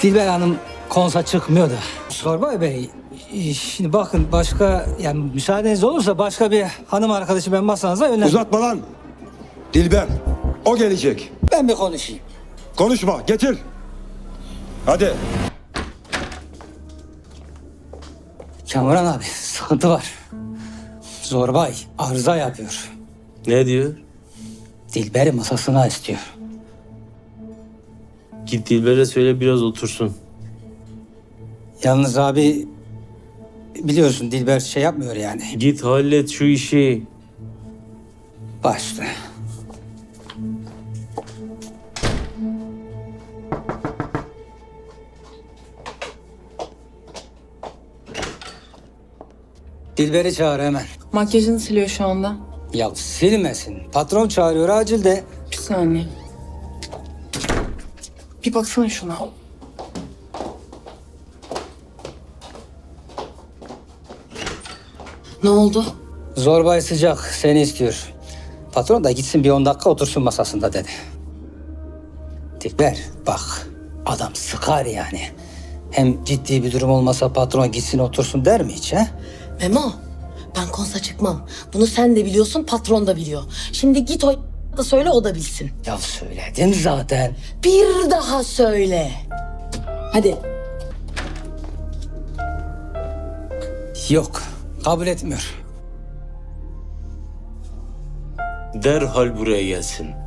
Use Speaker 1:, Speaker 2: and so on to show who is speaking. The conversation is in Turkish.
Speaker 1: Dilber Hanım konsa çıkmıyor da. Zorbay Bey, şimdi bakın başka, yani müsaadeniz olursa başka bir hanım arkadaşı ben masanıza öner.
Speaker 2: Uzatma lan. Dilber. O gelecek.
Speaker 1: Ben bir konuşayım.
Speaker 2: Konuşma. Getir. Hadi.
Speaker 1: Kamuran abi, sıkıntı var. Zorbay arıza yapıyor.
Speaker 3: Ne diyor?
Speaker 1: Dilber'i masasına istiyor.
Speaker 3: Git Dilber'e söyle biraz otursun.
Speaker 1: Yalnız abi, biliyorsun Dilber şey yapmıyor yani.
Speaker 3: Git hallet şu işi.
Speaker 1: Başta. Dilber'i çağır hemen.
Speaker 4: Makyajını siliyor şu anda.
Speaker 1: Ya silmesin. Patron çağırıyor acil de.
Speaker 4: Bir saniye. Bir baksana şuna. Ne oldu?
Speaker 1: Zorbay sıcak seni istiyor. Patron da gitsin bir 10 dakika otursun masasında dedi. Dilber bak, adam sıkar yani. Hem ciddi bir durum olmasa patron gitsin otursun der mi hiç ha?
Speaker 5: Memo, ben konsa çıkmam. Bunu sen de biliyorsun, patron da biliyor. Şimdi git o da söyle, o da bilsin.
Speaker 1: Ya söyledim zaten.
Speaker 5: Bir daha söyle. Hadi.
Speaker 1: Yok, kabul etmiyor.
Speaker 3: Derhal buraya gelsin.